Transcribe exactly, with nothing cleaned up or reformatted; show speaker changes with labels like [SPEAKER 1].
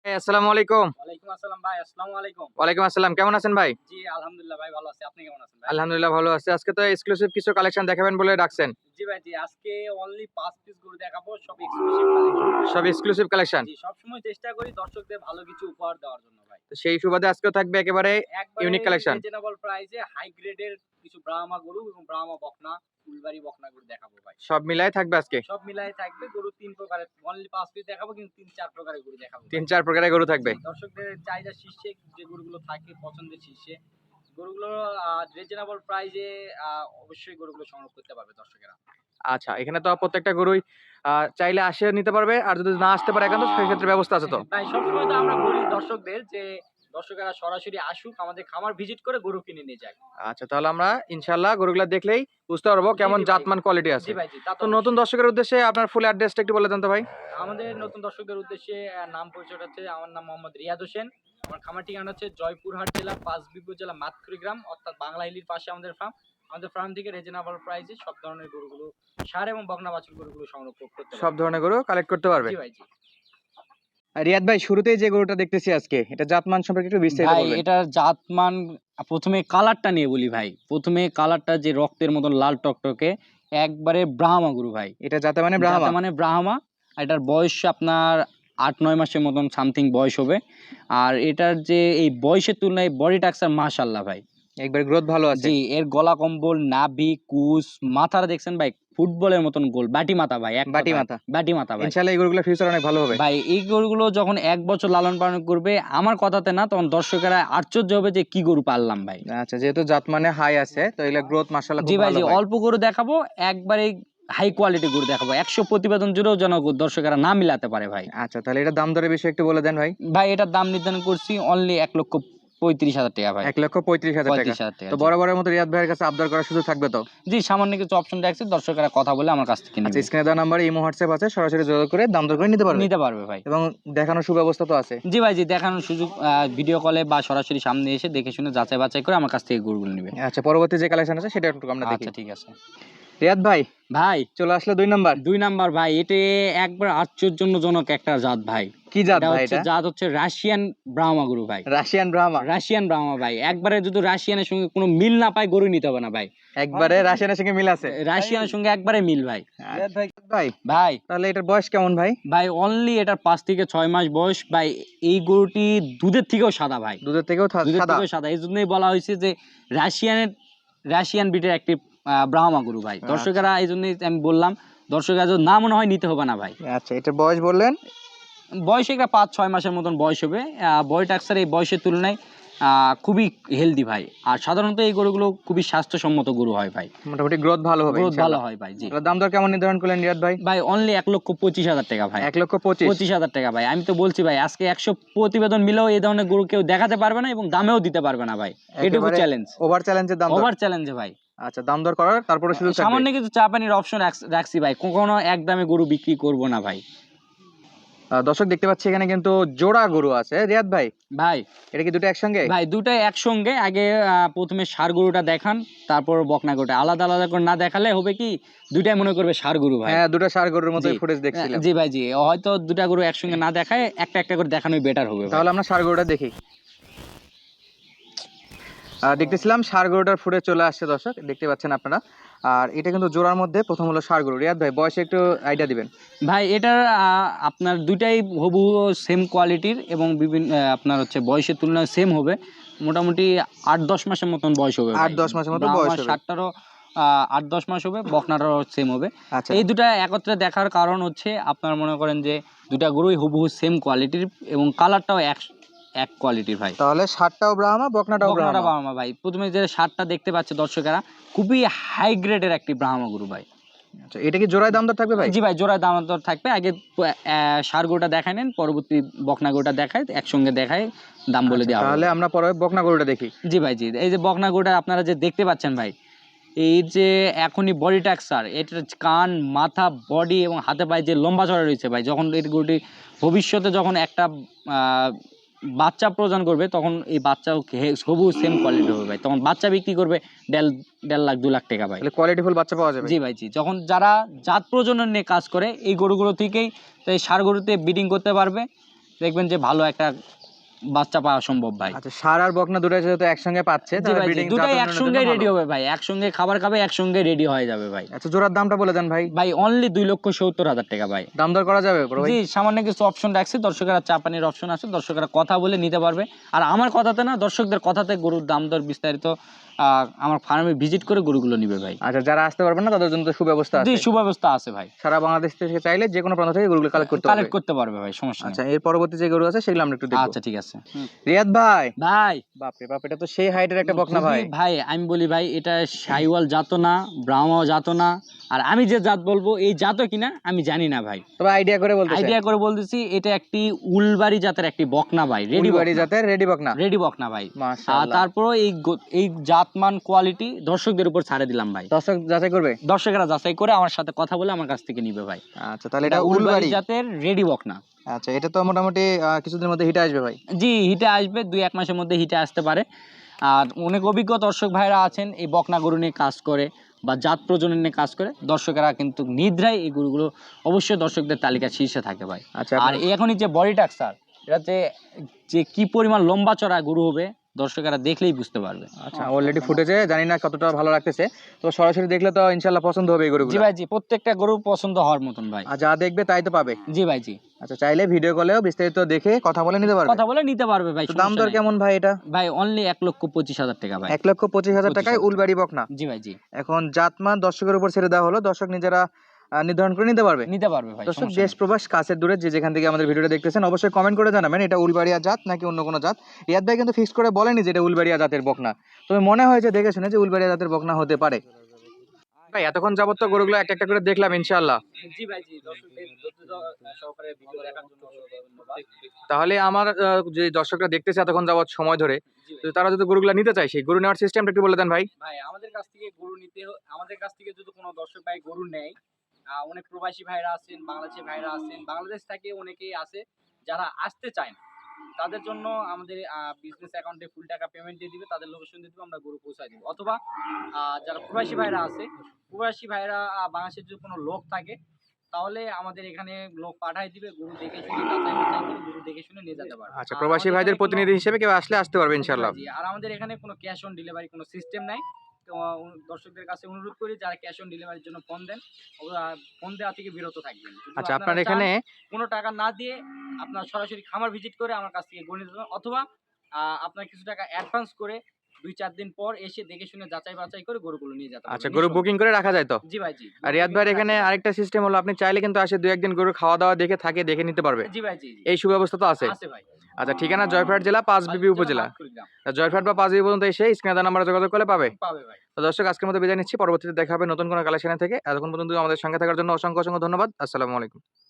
[SPEAKER 1] আসসালামু আলাইকুম।
[SPEAKER 2] ওয়ালাইকুম আসসালাম ভাই। আসসালামু আলাইকুম।
[SPEAKER 1] ওয়ালাইকুম আসসালাম। কেমন আছেন ভাই?
[SPEAKER 2] জি, আলহামদুলিল্লাহ ভাই ভালো আছি। আপনি কেমন আছেন ভাই?
[SPEAKER 1] আলহামদুলিল্লাহ ভালো আছি। আজকে তো এক্সক্লুসিভ কিছু কালেকশন দেখাবেন বলে ডাকছেন।
[SPEAKER 2] জি ভাই, জি। আজকে অনলি পাঁচ পিস গরু দেখাবো, সব এক্সক্লুসিভ কালেকশন।
[SPEAKER 1] সব এক্সক্লুসিভ কালেকশন।
[SPEAKER 2] জি, সবসময় চেষ্টা করি দর্শকদের ভালো কিছু উপহার দেওয়ার জন্য ভাই।
[SPEAKER 1] তো সেই সুবাদে আজকেও থাকবে একেবারে
[SPEAKER 2] একবারে
[SPEAKER 1] ইউনিক কালেকশন।
[SPEAKER 2] রিজনেবল প্রাইসে হাই গ্রেডের কিছু ব্রাহ্মা গরু এবং ব্রাহ্মা বকনা, ফুলবাড়ি বকনা গরু দেখাবো ভাই।
[SPEAKER 1] সব মিলায় থাকবে আজকে।
[SPEAKER 2] সব মিলায় থাকবে গরু তিন প্রকারের। অনলি পাঁচ পিস দেখাবো কিন্তু তিন চার প্রকারের গরু দেখাবো।
[SPEAKER 1] তিন চার প্রকারের গরু থাকবে।
[SPEAKER 2] দর্শকদের চাহিদা শীর্ষে যে গরুগুলো থাকে পছন্দের শীর্ষে গরুগুলো আ রিজনেবল প্রাইসে আ অবশ্যই গরুগুলো সংগ্রহ করতে পারবে দর্শকেরা।
[SPEAKER 1] আচ্ছা, এখানে তো প্রত্যেকটা গরুই আ চাইলে আসে নিতে পারবে। আর যদি না আসতে পারে একান্ত সেই ক্ষেত্রে ব্যবস্থা আছে তো?
[SPEAKER 2] ভাই সবসময় তো আমরা বলি দর্শকদের যে দর্শকেরা সরাসরি আসুক আমাদের খামার ভিজিট করে গরু কিনে নিয়ে যাক।
[SPEAKER 1] আচ্ছা, তাহলে আমরা ইনশাআল্লাহ গরুগুলা দেখলেই বুঝতে পারবো
[SPEAKER 2] জি,
[SPEAKER 1] কেমন
[SPEAKER 2] জি ভাই।
[SPEAKER 1] জাতমান কোয়ালিটি আছে।
[SPEAKER 2] জি ভাই, জি। তা তো
[SPEAKER 1] তো নতুন
[SPEAKER 2] অবশ্যই।
[SPEAKER 1] দর্শকের উদ্দেশ্যে আপনার ফুল অ্যাড্রেসটা একটু বলে দেন তো ভাই।
[SPEAKER 2] আমাদের নতুন দর্শকদের উদ্দেশ্যে আ নাম পরিচয়টা হচ্ছে আমার নাম মোহাম্মদ রিয়াদ হোসেন। আমার খামার ঠিকানা হচ্ছে জয়পুরহাট জেলা পাঁচবিবি উপজেলা মাতকুড়ি গ্রাম অর্থাৎ বাংলা হিলির পাশে আমাদের ফার্ম। আমাদের ফার্ম থেকে রিজনেবল প্রাইসে সব ধরনের গরুগুলো ষাঁড় এবং বকনা বাছুর গরুগুলো সংগ্রহ করতে
[SPEAKER 1] সব
[SPEAKER 2] পারবেন।
[SPEAKER 1] ধরনের গরু কালেক্ট করতে পারবে।
[SPEAKER 2] জি ভাই, জি।
[SPEAKER 1] আর রিয়াদ ভাই, শুরুতেই যে গরুটা দেখতেছি আজকে, এটা জাতমান সম্পর্কে একটু বিস্তারিত
[SPEAKER 3] ভাই
[SPEAKER 1] বলবেন।
[SPEAKER 3] এটার জাতমান প্রথমে কালারটা নিয়ে বলি ভাই। প্রথমে কালারটা যে রক্তের মতন লাল টকটকে একবারে ব্রাহ্মা গরু ভাই।
[SPEAKER 1] এটা জাতে মানে ব্রাহ্মা।
[SPEAKER 3] জাতে মানে ব্রাহ্মা। আর এটার বয়স আপনার আট নয় মাসের মতন সামথিং বয়স হবে। আর এটার যে এই বয়সের তুলনায় বডি স্ট্রাকচার মাশাআল্লাহ ভাই।
[SPEAKER 1] একবার গ্রোথ ভালো আছে।
[SPEAKER 3] জি, এর গলা কম্বল, নাভি, কুচ, মাথাটা দেখছেন ভাই ফুটবলের মতন গোল। বাটি মাথা ভাই, এক
[SPEAKER 1] বাটি
[SPEAKER 3] কথায়।
[SPEAKER 1] মাথা।
[SPEAKER 3] বাটি মাথা ভাই।
[SPEAKER 1] ইনশাআল্লাহ এই গরুগুলোর ফিউচার অনেক ভালো হবে।
[SPEAKER 3] ভাই এই গরুগুলো যখন এক বছর লালন পালন করবে আমার কথাতে না, তখন দর্শকেরা আশ্চর্য হবে যে কি গরু পাললাম ভাই।
[SPEAKER 1] আচ্ছা, যেহেতু জাত মানে হাই আছে তো এগুলা গ্রোথ মাশাআল্লাহ
[SPEAKER 3] জি
[SPEAKER 1] খুব
[SPEAKER 3] ভাই,
[SPEAKER 1] ভালো
[SPEAKER 3] জি।
[SPEAKER 1] হয়।
[SPEAKER 3] অল্প গরু দেখাবো, একবারে হাই কোয়ালিটি গরু দেখাবো। একশো প্রতিবেদন জুড়েও যেন দর্শকেরা না মিলাতে পারে ভাই।
[SPEAKER 1] আচ্ছা, তাহলে এটা দাম দরের বিষয়ে একটু বলে দেন ভাই।
[SPEAKER 3] ভাই এটার দাম নির্ধারণ করছি অনলি এক লক্ষ পঁয়ত্রিশ হাজার টাকা ভাই।
[SPEAKER 1] এক লক্ষ পঁয়ত্রিশ হাজার টাকা।
[SPEAKER 3] পঁয়ত্রিশ হাজার টাকা।
[SPEAKER 1] তো
[SPEAKER 3] জি।
[SPEAKER 1] বরাবরের মতো রিয়াদ ভাইয়ের কাছে আবদার করার সুযোগ থাকবে তো?
[SPEAKER 3] জি, সামান্য কিছু অপশন রাখছি, দর্শকেরা কথা বলে আমার কাছ থেকে
[SPEAKER 1] আচ্ছা,
[SPEAKER 3] নিবে।
[SPEAKER 1] স্ক্রিনে দেওয়া নাম্বারে ইমো হোয়াটসঅ্যাপ আছে, সরাসরি যোগাযোগ করে দাম দর করে নিতে পারবে।
[SPEAKER 3] নিতে পারবে ভাই।
[SPEAKER 1] এবং দেখানোর সুব্যবস্থা তো আছে।
[SPEAKER 3] জি ভাই, জি। দেখানোর সুযোগ ভিডিও কলে বা সরাসরি সামনে এসে দেখে শুনে যাচাই বাছাই করে আমার কাছ থেকে গরুগুলো নিবে।
[SPEAKER 1] আচ্ছা, পরবর্তী যে কালেকশন আছে সেটা একটু আমরা দেখি।
[SPEAKER 3] আচ্ছা, ঠিক আছে।
[SPEAKER 1] রিয়াদ ভাই
[SPEAKER 3] ভাই
[SPEAKER 1] চলে আসলে দুই নাম্বার।
[SPEAKER 3] দুই নাম্বার ভাই, এটা একবার আশ্চর্যজনক একটা জাত ভাই।
[SPEAKER 1] কি জাত
[SPEAKER 3] এটা
[SPEAKER 1] ভাই
[SPEAKER 3] হচ্ছে
[SPEAKER 1] এটা?
[SPEAKER 3] জাত হচ্ছে রাশিয়ান ব্রাহ্মা গরু ভাই।
[SPEAKER 1] রাশিয়ান ব্রাহ্মা।
[SPEAKER 3] রাশিয়ান ব্রাহ্মা ভাই। একবারে যদি রাশিয়ানের সঙ্গে কোনো মিল না পায় গরু নিতে হবে না ভাই।
[SPEAKER 1] একবারে রাশিয়ানের সঙ্গে মিল আছে।
[SPEAKER 3] রাশিয়ানের সঙ্গে একবারে মিল ভাই।
[SPEAKER 1] রিয়াদ ভাই ভাই
[SPEAKER 3] ভাই
[SPEAKER 1] তাহলে এটার বয়স কেমন ভাই?
[SPEAKER 3] ভাই অনলি এটার পাঁচ থেকে ছয় মাস বয়স ভাই। এই গরুটি দুধের থেকেও সাদা ভাই।
[SPEAKER 1] দুধের থেকেও থা-
[SPEAKER 3] দুধের
[SPEAKER 1] সাদা।
[SPEAKER 3] থেকেও সাদা। এই জন্যই বলা হয়েছে যে রাশিয়ানের রাশিয়ান ব্রিডের একটি আহ, ব্রাহ্মা গরু ভাই। দর্শকেরা এই জন্যই আমি বললাম, দর্শকেরা যদি না মনে হয় নিতে হবে না ভাই।
[SPEAKER 1] আচ্ছা, এটার বয়স বললেন?
[SPEAKER 3] বয়স একটা পাঁচ ছয় মাসের মতন বয়স হবে। বডি স্ট্রাকচার এই বয়সের তুলনায় আহ, খুবই হেলদি ভাই। আর সাধারণত এই গরুগুলো খুবই স্বাস্থ্যসম্মত গরু হয় ভাই।
[SPEAKER 1] মোটামুটি গ্রোথ ভালো হবে
[SPEAKER 3] গ্রোথ ভালো
[SPEAKER 1] ইনশাআল্লাহ।
[SPEAKER 3] হয় ভাই। জি
[SPEAKER 1] তাহলে দাম দর কেমন নির্ধারণ করলেন রিয়াদ ভাই?
[SPEAKER 3] ভাই অনলি এক লক্ষ পঁচিশ হাজার টাকা ভাই।
[SPEAKER 1] এক লক্ষ পঁচিশ।
[SPEAKER 3] পঁচিশ হাজার টাকা ভাই। আমি তো বলছি ভাই আজকে একশো প্রতিবেদন মিলেও এই ধরনের গরু কেউ দেখাতে পারবে না এবং দামেও দিতে পারবে না ভাই। এটুকু চ্যালেঞ্জ।
[SPEAKER 1] ওভার চ্যালেঞ্জের দাম দর।
[SPEAKER 3] ওভার চ্যালেঞ্জ ভাই।
[SPEAKER 1] আচ্ছা, দাম দর করার তারপরে সুযোগ থাকবে।
[SPEAKER 3] সামান্য কিছু চা পানির অপশন রাখছি ভাই। কখনো এক দামে গরু বিক্রি করব না ভাই।
[SPEAKER 1] আহ, দর্শক দেখতে পাচ্ছি এখানে কিন্তু জোড়া গরু আছে রিয়াদ ভাই।
[SPEAKER 3] ভাই
[SPEAKER 1] এটা কি দুটো একসঙ্গে?
[SPEAKER 3] ভাই দুটাই একসঙ্গে। আগে আহ, প্রথমে ষাঁড় গরুটা দেখান, তারপর বকনা গরুটা। আলাদা আলাদা করে না দেখালে হবে কি দুটাই মনে করবে ষাঁড় গরু ভাই।
[SPEAKER 1] হ্যাঁ, দুটো ষাঁড় গরুর মতো
[SPEAKER 3] জি।
[SPEAKER 1] ফুটেজ দেখছিলাম।
[SPEAKER 3] জি ভাই, জি। হয়তো দুটা গরু একসঙ্গে না দেখায় একটা একটা করে দেখানোই বেটার হবে ভাই।
[SPEAKER 1] তাহলে আমরা ষাঁড় গরুটা দেখি। আহ, দেখতেছিলাম ষাঁড় গরুটার ফুটে চলে আসছে দর্শক, দেখতে পাচ্ছেন আপনারা। আর এটা কিন্তু জোড়ার মধ্যে প্রথম হলো ষাঁড় গরু। রিয়াদ ভাই বয়সে একটু আইডিয়া দিবেন।
[SPEAKER 3] ভাই এটার আহ, আপনার দুইটাই হুবহু সেম কোয়ালিটির এবং বিভিন্ন আহ, আপনার হচ্ছে বয়সের তুলনায় সেম হবে। মোটামুটি আট দশ মাসের মতন বয়স হবে।
[SPEAKER 1] আট দশ মাসের মতো বয়স হবে।
[SPEAKER 3] ষাটটারও আট দশ মাস হবে, বকনাটারও সেম হবে।
[SPEAKER 1] আচ্ছা,
[SPEAKER 3] এই দুটা একত্রে দেখার কারণ হচ্ছে আপনার মনে করেন যে দুটা গরুই হুবহু সেম কোয়ালিটির এবং কালারটাও এক এক কোয়ালিটির ভাই।
[SPEAKER 1] তাহলে ষাটটাও ব্রাহ্মা, বকনাটাও
[SPEAKER 3] বকনাটা
[SPEAKER 1] ব্রাহ্মা।
[SPEAKER 3] ব্রাহ্মা ভাই। প্রথমে যে ষাটটা দেখতে পাচ্ছে দর্শকেরা খুবই হাই গ্রেডের একটি ব্রাহ্মা গরু ভাই।
[SPEAKER 1] আচ্ছা, এটা কি জোড়ায় দাম দর থাকবে ভাই?
[SPEAKER 3] জি ভাই, জোড়ায় দাম দর থাকবে। আগে ষাঁড় গরুটা দেখায় নেন, পরবর্তী বকনা গরুটা দেখায়, একসঙ্গে দেখায় দাম বলে
[SPEAKER 1] আচ্ছা,
[SPEAKER 3] দেওয়া হবে।
[SPEAKER 1] তাহলে আমরা পরে বকনা গরুটা দেখি।
[SPEAKER 3] জি ভাই, জি। এই যে বকনা গরুটা আপনারা যে দেখতে পাচ্ছেন ভাই, এই যে এখনই বডি স্ট্রাকচার, এটার কান, মাথা, বডি এবং হাতে পায়ে যে লম্বা চড়া রয়েছে ভাই, যখন এই গরুটি ভবিষ্যতে যখন একটা আহ, বাচ্চা প্রদান করবে তখন এই বাচ্চাও সবুজ সেম কোয়ালিটি হবে ভাই। তখন বাচ্চা বিক্রি করবে দেড় দেড় লাখ দু লাখ টাকা ভাই।
[SPEAKER 1] তাহলে কোয়ালিটিফুল বাচ্চা পাওয়া যাবে।
[SPEAKER 3] জি ভাই, জি। যখন যারা জাত প্রজনন নিয়ে কাজ করে এই গরুগুলো থেকেই এই ষাঁড় গরুতে ব্রিডিং করতে পারবে দেখবেন যে ভালো একটা বাচ্চা পাওয়া সম্ভব ভাই।
[SPEAKER 1] আচ্ছা, ষাঁড় আর বকনা দুটোই যেহেতু একসঙ্গে পাচ্ছে,
[SPEAKER 3] জি
[SPEAKER 1] তাহলে
[SPEAKER 3] ভাই জি,
[SPEAKER 1] ব্রিডিং
[SPEAKER 3] দুটাই একসঙ্গে রেডি হবে ভাই, একসঙ্গে খাবার খাবে, একসঙ্গে রেডি হয়ে যাবে ভাই।
[SPEAKER 1] আচ্ছা, জোড়ার দামটা বলে দেন ভাই।
[SPEAKER 3] ভাই অনলি দুই লক্ষ সত্তর হাজার টাকা ভাই।
[SPEAKER 1] দাম দর করা যাবে বড় ভাই?
[SPEAKER 3] জি, সামান্য কিছু অপশন রাখছে, দর্শকেরা চাপানির অপশন আছে, দর্শকেরা কথা বলে নিতে পারবে। আর আমার কথাতে না, দর্শকদের কথাতে গরুর দাম দর বিস্তারিত আহ, আমার ফার্মে ভিজিট করে গরুগুলো নিবে ভাই।
[SPEAKER 1] আচ্ছা, যারা আসতে পারবে না তাদের জন্য তো সুব্যবস্থা
[SPEAKER 3] জি,
[SPEAKER 1] আছে।
[SPEAKER 3] সুব্যবস্থা আছে ভাই,
[SPEAKER 1] সারা বাংলাদেশ থেকে চাইলে যে কোনো প্রান্ত থেকে গরুগুলো কালেক্ট করতে পারবে।
[SPEAKER 3] কালেক্ট করতে পারবে ভাই, সমস্যা নেই।
[SPEAKER 1] আচ্ছা, এর পরবর্তী যে গরু আছে সেগুলো আমরা একটু দেখব।
[SPEAKER 3] আচ্ছা ঠিক আছে।
[SPEAKER 1] রিয়াদ ভাই,
[SPEAKER 3] ভাই
[SPEAKER 1] বাপ রে বাপ, এটা তো সেই হাইটের একটা বকনা ভাই।
[SPEAKER 3] খুবই ভাই, আমি বলি ভাই এটা সাইওয়াল জাত না, ব্রাহ্মা জাত না, আর আমি যে জাত বলবো এই জাত কিনা আমি জানি না ভাই,
[SPEAKER 1] তবে আইডিয়া করে বলতেছেন।
[SPEAKER 3] আইডিয়া করে বলতেছি এটা একটি উলবাড়ি জাতের একটি বকনা ভাই, রেডি
[SPEAKER 1] উলবাড়ি জাতের রেডি বকনা।
[SPEAKER 3] রেডি বকনা ভাই। আর
[SPEAKER 1] মাশাআল্লাহ।
[SPEAKER 3] তারপর এই গো- এই জাতমান কোয়ালিটি দর্শকদের উপর ছাড়ে দিলাম ভাই,
[SPEAKER 1] দর্শক যাচাই করবে।
[SPEAKER 3] দর্শকেরা যাচাই করে আমার সাথে কথা বলে আমার কাছ থেকে নিবে ভাই।
[SPEAKER 1] আচ্ছা, তাহলে এটা উলবাড়ি
[SPEAKER 3] জাতের রেডি বকনা।
[SPEAKER 1] আচ্ছা, এটা তো মোটামুটি আহ, কিছুদিনের মধ্যে হিটে আসবে ভাই।
[SPEAKER 3] জি, হিটে আসবে, দুই এক মাসের মধ্যে হিটে আসতে পারে। আর অনেক অভিজ্ঞ দর্শক ভাইরা আছেন এই বকনা গরু নিয়ে কাজ করে বা জাত প্রজনন নিয়ে কাজ করে, দর্শকেরা কিন্তু নিদ্রায় এই গরুগুলো অবশ্যই দর্শকদের তালিকা শীর্ষে থাকে ভাই।
[SPEAKER 1] আচ্ছা,
[SPEAKER 3] আর
[SPEAKER 1] আপনার-
[SPEAKER 3] এই এখনই যে বডি টাক্সার, এটা যে যে কি পরিমাণ লম্বা চড়া গরু হবে দর্শকেরা দেখলেই বুঝতে পারবে।
[SPEAKER 1] আচ্ছা, অলরেডি ফুটেছে, জানি না কতটা ভালো লাগতেছে, তো সরাসরি দেখলে তো ইনশাআল্লাহ পছন্দ হবে এই
[SPEAKER 3] জি
[SPEAKER 1] গরুগুলো।
[SPEAKER 3] ভাই জি, প্রত্যেকটা গরু পছন্দ হওয়ার মতন ভাই।
[SPEAKER 1] আর যা দেখবে তাই তো পাবে।
[SPEAKER 3] জি ভাই জি,
[SPEAKER 1] আচ্ছা, চাইলে ভিডিও কলেও বিস্তারিত দেখে কথা বলে নিতে পারবে।
[SPEAKER 3] কথা বলে নিতে পারবে ভাই,
[SPEAKER 1] তো দাম
[SPEAKER 3] সমস্যা
[SPEAKER 1] দর
[SPEAKER 3] নেই।
[SPEAKER 1] কেমন ভাই এটা?
[SPEAKER 3] ভাই অনলি এক লক্ষ পঁচিশ হাজার টাকা ভাই।
[SPEAKER 1] এক লক্ষ পঁচিশ হাজার টাকায়
[SPEAKER 3] পঁচিশ হাজার।
[SPEAKER 1] উলবাড়ি বকনা।
[SPEAKER 3] জি ভাই জি,
[SPEAKER 1] এখন জাতমান দর্শকের উপর ছেড়ে দেওয়া হলো, দর্শক নিজেরা আহ, নির্ধারণ করে নিতে পারবে।
[SPEAKER 3] নিতে পারবে ভাই,
[SPEAKER 1] দর্শক
[SPEAKER 3] সমস্যা
[SPEAKER 1] দেশ
[SPEAKER 3] নেই।
[SPEAKER 1] প্রবাস কাছের দূরে যে যেখান থেকে আমাদের ভিডিওটা দেখতেছেন অবশ্যই কমেন্ট করে জানাবেন এটা উলবাড়িয়া জাত নাকি অন্য কোনো জাত। রিয়াদ ভাই কিন্তু ফিক্স করে বলেনি যে এটা উলবাড়িয়া জাতের বকনা, তবে মনে হয় যে দেখে শুনে যে উলবাড়িয়া জাতের বকনা হতে পারে। ভাই এতক্ষণ যাবত তো গরুগুলো একটা একটা করে দেখলাম ইনশাআল্লাহ,
[SPEAKER 2] জি ভাই জি, দর্শকদের ধৈর্য সহকারে ভিডিও দেখার জন্য অসংখ্য ধন্যবাদ।
[SPEAKER 1] তাহলে আমার আহ, যে দর্শকরা দেখতেছে এতক্ষণ যাবত সময় ধরে,
[SPEAKER 2] জি
[SPEAKER 1] তো
[SPEAKER 2] ভাই।
[SPEAKER 1] তারা যদি গরুগুলো নিতে চায় সেই গরু নেওয়ার সিস্টেমটা একটু বলে দেন ভাই।
[SPEAKER 2] ভাই আমাদের কাছ থেকে গরু নিতে হ- আমাদের কাছ থেকে যদি কোনো দর্শক ভাই গরু নেয়, আহ, অনেক প্রবাসী ভাইরা আছেন, বাংলাদেশি ভাইরা আছেন, বাংলাদেশ থেকে অনেকেই আছে যারা আসতে চায় না, তাদের জন্য আমাদের বিজনেস অ্যাকাউন্টে ফুল টাকা পেমেন্ট দিয়ে দিবে, তাদের লোকেশন দিয়ে দিবে, আমরা গরু পৌঁছায় দিব। অথবা আহ, যারা প্রবাসী ভাইরা আছে, প্রবাসী ভাইরা আহ, বাংলাদেশের যদি কোনো লোক থাকে তাহলে আমাদের এখানে লোক পাঠায় দিবে, গরু দেখে শুনে যাচাই বাছাই করে গরু দেখে শুনে নিয়ে যেতে পারবে।
[SPEAKER 1] আচ্ছা,
[SPEAKER 2] আর
[SPEAKER 1] প্রবাসী
[SPEAKER 2] আমাদের
[SPEAKER 1] ভাইদের
[SPEAKER 2] এখানে কোনো-
[SPEAKER 1] প্রতিনিধি হিসেবে কেউ আসলে আসতে পারবে ইনশাআল্লাহ।
[SPEAKER 2] জি, আর আমাদের এখানে কোনো ক্যাশ অন ডেলিভারি কোনো সিস্টেম নাই। তো আহ, দর্শকদের কাছে অনুরোধ করি যারা ক্যাশ অন ডেলিভারির জন্য ফোন দেন, ওরা ফোন দেওয়া থেকে বিরত থাকবেন। যদি
[SPEAKER 1] আচ্ছা,
[SPEAKER 2] আপনারা
[SPEAKER 1] আপনার এখানে
[SPEAKER 2] চান কোনো টাকা না দিয়ে আপনার সরাসরি খামার ভিজিট করে আমার কাছ থেকে গরু নিতে পারেন, অথবা আহ, আপনার কিছু টাকা অ্যাডভান্স করে দুই চার দিন পর এসে দেখে শুনে যাচাই বাছাই করে গরুগুলো নিয়ে যেতে পারবেন।
[SPEAKER 1] আচ্ছা, গরু বুকিং করে রাখা যায় তো?
[SPEAKER 2] জি ভাই জি।
[SPEAKER 1] আর রিয়াদ ভাইয়ের এখানে আরেকটা সিস্টেম হলো আপনি চাইলে কিন্তু আসে দুই একদিন গরু খাওয়া দাওয়া দেখে থাকে দেখে নিতে পারবে,
[SPEAKER 2] জি ভাই জি জি।
[SPEAKER 1] এই সুব্যবস্থা তো আছে?
[SPEAKER 2] আছে ভাই।
[SPEAKER 1] আচ্ছা, ঠিকানা জয়পুরহাট জেলা পাঁচবিবি উপজেলা।
[SPEAKER 2] মাতকুড়িগ্রাম।
[SPEAKER 1] তা জয়পুরহাট বা পাঁচবিবি পর্যন্ত এসে স্ক্রিনে দেওয়া নাম্বারে যোগাযোগ করলে পাবে।
[SPEAKER 2] পাবে ভাই।
[SPEAKER 1] তো দর্শক আজকের মতো বিদায় নিচ্ছি, পরবর্তীতে দেখা হবে নতুন কোনো কালেকশনে থেকে। এতক্ষণ পর্যন্ত আমাদের সঙ্গে থাকার জন্য অসংখ্য অসংখ্য ধন্যবাদ। আসসালামু আলাইকুম।